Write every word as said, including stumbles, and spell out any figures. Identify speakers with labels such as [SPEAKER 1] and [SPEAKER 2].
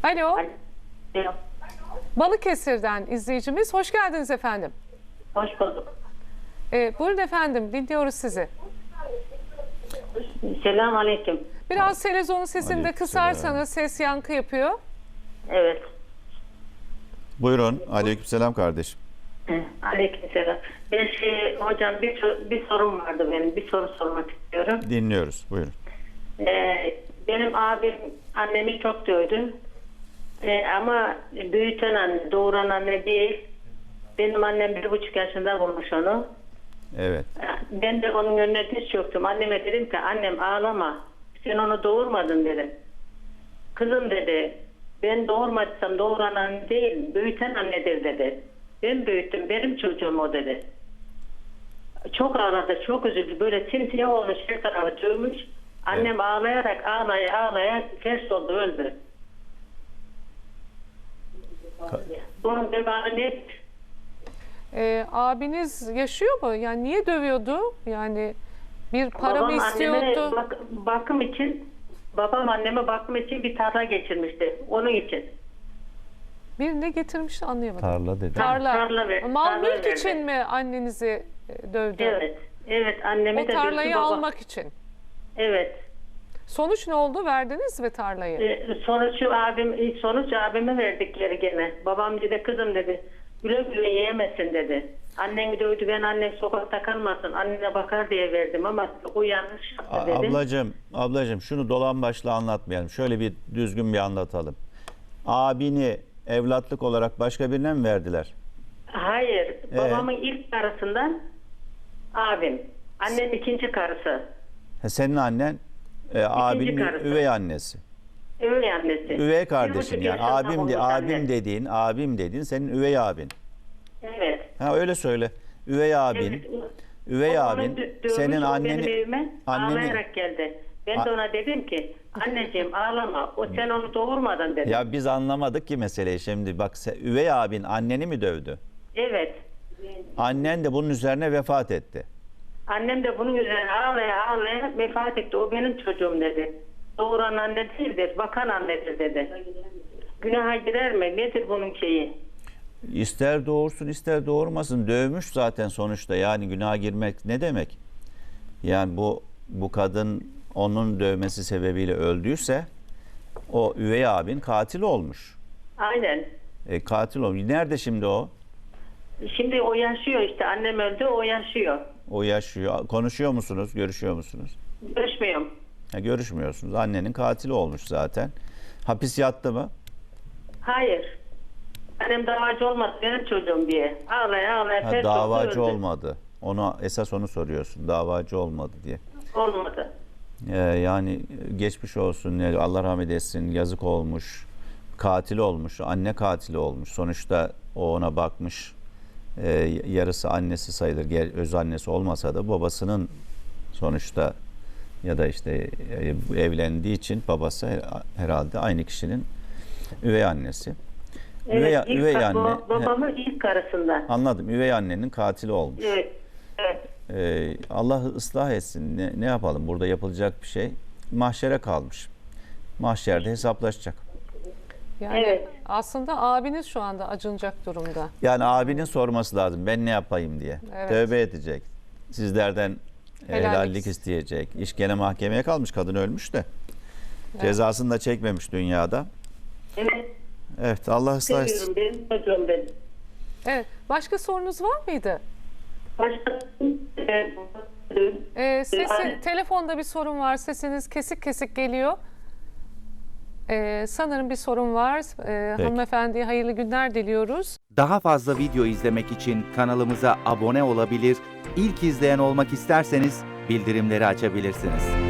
[SPEAKER 1] Alo.
[SPEAKER 2] Alo.
[SPEAKER 1] Balıkesir'den izleyicimiz. Hoş geldiniz efendim.
[SPEAKER 2] Hoş bulduk.
[SPEAKER 1] Ee, buyurun efendim, dinliyoruz sizi.
[SPEAKER 2] Selam aleyküm.
[SPEAKER 1] Biraz televizyonun sesini de
[SPEAKER 3] Aleyküm
[SPEAKER 1] kısarsanız, ses yankı yapıyor.
[SPEAKER 2] Evet.
[SPEAKER 3] Buyurun. Aleykümselam kardeşim.
[SPEAKER 2] Aleyküm selam. Ben şey, hocam bir, sor- bir sorum vardı benim. Bir soru sormak istiyorum.
[SPEAKER 3] Dinliyoruz. Buyurun.
[SPEAKER 2] Ee, benim abim annemi çok dövdü. Ee, ama büyüten anne, doğuran anne değil. Benim annem bir buçuk yaşında bulmuş onu.
[SPEAKER 3] Evet.
[SPEAKER 2] Ben de onun önüne diz çöktüm. Anneme dedim ki annem ağlama. Sen onu doğurmadın dedim. Kızım dedi, ben doğurmadıysam doğuran anne değil, büyüten annedir dedi. Ben büyüttüm, benim çocuğum o dedi. Çok ağladı, çok üzüldü. Böyle simsiyah olmuş, her tarafı dövmüş. Annem
[SPEAKER 3] Evet.
[SPEAKER 2] ağlayarak ağlaya ağlaya ters oldu, öldü. Bunun devamı ne?
[SPEAKER 1] Ee, abiniz yaşıyor mu? Yani niye dövüyordu? Yani bir para mı
[SPEAKER 2] Babam
[SPEAKER 1] istiyordu?
[SPEAKER 2] anneme bak- bakım için, babam anneme bakım için bir tarla geçirmişti. Onun için.
[SPEAKER 1] Bir ne getirmişti anlayamadım.
[SPEAKER 3] Tarla dedi.
[SPEAKER 1] Tarla.
[SPEAKER 2] Tarla ver-
[SPEAKER 1] Mal
[SPEAKER 2] tarla
[SPEAKER 1] mülk
[SPEAKER 2] verdi.
[SPEAKER 1] için mi annenizi e, dövdü?
[SPEAKER 2] Evet. Evet, annemi
[SPEAKER 1] O
[SPEAKER 2] de
[SPEAKER 1] tarlayı
[SPEAKER 2] dövdü, baba-
[SPEAKER 1] almak için.
[SPEAKER 2] Evet.
[SPEAKER 1] Sonuç ne oldu? Verdiniz mi tarlayı?
[SPEAKER 2] Ee, sonuç abim sonuç abime verdikleri gene. Babam dedi kızım dedi. Güle güle yiyemezsin dedi. Annen dövdü, ben annen sokakta kalmasın. Annene bakar diye verdim ama o yanlış
[SPEAKER 3] A-
[SPEAKER 2] yaptı dedi.
[SPEAKER 3] ablacığım, ablacığım şunu dolan başla anlatmayalım. Şöyle bir düzgün bir anlatalım. Abini evlatlık olarak başka birine mi verdiler?
[SPEAKER 2] Hayır. Babamın ilk karısından abim. Annenin ikinci karısı.
[SPEAKER 3] Ha, senin annen e, abinin
[SPEAKER 2] karısı.
[SPEAKER 3] üvey annesi.
[SPEAKER 2] Üvey annesi.
[SPEAKER 3] Üvey
[SPEAKER 2] Bir
[SPEAKER 3] kardeşin
[SPEAKER 2] buçuk
[SPEAKER 3] yani.
[SPEAKER 2] yaşında
[SPEAKER 3] Abim de,
[SPEAKER 2] olmuş
[SPEAKER 3] abim
[SPEAKER 2] anne.
[SPEAKER 3] dediğin, abim dediğin senin üvey abin.
[SPEAKER 2] Evet.
[SPEAKER 3] Ha öyle söyle. Üvey abin.
[SPEAKER 2] Evet.
[SPEAKER 3] Üvey
[SPEAKER 2] O onu
[SPEAKER 3] abin
[SPEAKER 2] dö- dövmüş,
[SPEAKER 3] senin
[SPEAKER 2] o
[SPEAKER 3] anneni
[SPEAKER 2] benim evime
[SPEAKER 3] anneni
[SPEAKER 2] ağlayarak geldi. Ben
[SPEAKER 3] A-
[SPEAKER 2] de ona dedim ki anneciğim ağlama, o sen onu doğurmadın dedim.
[SPEAKER 3] Ya biz anlamadık ki meseleyi şimdi. Bak se- üvey abin anneni mi dövdü?
[SPEAKER 2] Evet.
[SPEAKER 3] Annen de bunun üzerine vefat etti.
[SPEAKER 2] Annem de bunun üzerine ağlaya ağlaya vefat etti. O benim çocuğum dedi. Doğuran anne değildir, bakan annedir dedi. Günaha girer mi? Nedir bunun şeyi?
[SPEAKER 3] İster doğursun ister doğurmasın dövmüş zaten sonuçta, yani günaha girmek ne demek? Yani bu bu kadın onun dövmesi sebebiyle öldüyse o üvey abin katil olmuş.
[SPEAKER 2] Aynen.
[SPEAKER 3] E, katil olmuş. Nerede şimdi o?
[SPEAKER 2] Şimdi o yaşıyor işte. Annem öldü, o yaşıyor.
[SPEAKER 3] O yaşıyor. Konuşuyor musunuz? Görüşüyor musunuz?
[SPEAKER 2] Görüşmüyorum.
[SPEAKER 3] Ha, görüşmüyorsunuz. Annenin katili olmuş zaten. Hapis yattı mı?
[SPEAKER 2] Hayır. Annem davacı olmadı benim çocuğum diye. Ağlaya ağlaya
[SPEAKER 3] Ha,
[SPEAKER 2] ters oldu,
[SPEAKER 3] davacı
[SPEAKER 2] öldü.
[SPEAKER 3] olmadı. Onu esas onu soruyorsun. Davacı olmadı diye.
[SPEAKER 2] Olmadı.
[SPEAKER 3] Ee, yani geçmiş olsun, yani Allah rahmet etsin, yazık olmuş, katil olmuş, anne katili olmuş. Sonuçta o ona bakmış, Ee, yarısı annesi sayılır, ger- öz annesi olmasa da babasının sonuçta, ya da işte e, evlendiği için babası her- herhalde aynı kişinin üvey annesi.
[SPEAKER 2] Evet,
[SPEAKER 3] üvey,
[SPEAKER 2] ilk
[SPEAKER 3] üvey
[SPEAKER 2] kar-
[SPEAKER 3] anne,
[SPEAKER 2] baba- babamın ilk karısından.
[SPEAKER 3] anladım, üvey annenin katili olmuş.
[SPEAKER 2] Evet. Evet.
[SPEAKER 3] Ee, Allah ıslah etsin. Ne, ne yapalım? Burada yapılacak bir şey mahşere kalmış. Mahşerde hesaplaşacak.
[SPEAKER 1] Yani
[SPEAKER 2] Evet.
[SPEAKER 1] aslında abiniz şu anda acınacak durumda.
[SPEAKER 3] Yani abinin sorması lazım. Ben ne yapayım diye.
[SPEAKER 1] Evet.
[SPEAKER 3] Tövbe edecek. Sizlerden
[SPEAKER 1] Helallik.
[SPEAKER 3] helallik isteyecek. İş gene mahkemeye kalmış. Kadın ölmüş de. Cezasını da çekmemiş dünyada.
[SPEAKER 2] Evet.
[SPEAKER 3] Evet, Allah ıslah etsin.
[SPEAKER 2] Seviyorum benim çocuğum benim.
[SPEAKER 1] Evet. Başka sorunuz var mıydı?
[SPEAKER 2] Başka e,
[SPEAKER 1] Ee, sesi,
[SPEAKER 2] Ay-
[SPEAKER 1] telefonda bir sorun var. Sesiniz kesik kesik geliyor. Ee, sanırım bir sorun var. Ee,
[SPEAKER 3] Peki.
[SPEAKER 1] hanımefendiye hayırlı günler diliyoruz.
[SPEAKER 4] Daha fazla video izlemek için kanalımıza abone olabilir, ilk izleyen olmak isterseniz bildirimleri açabilirsiniz.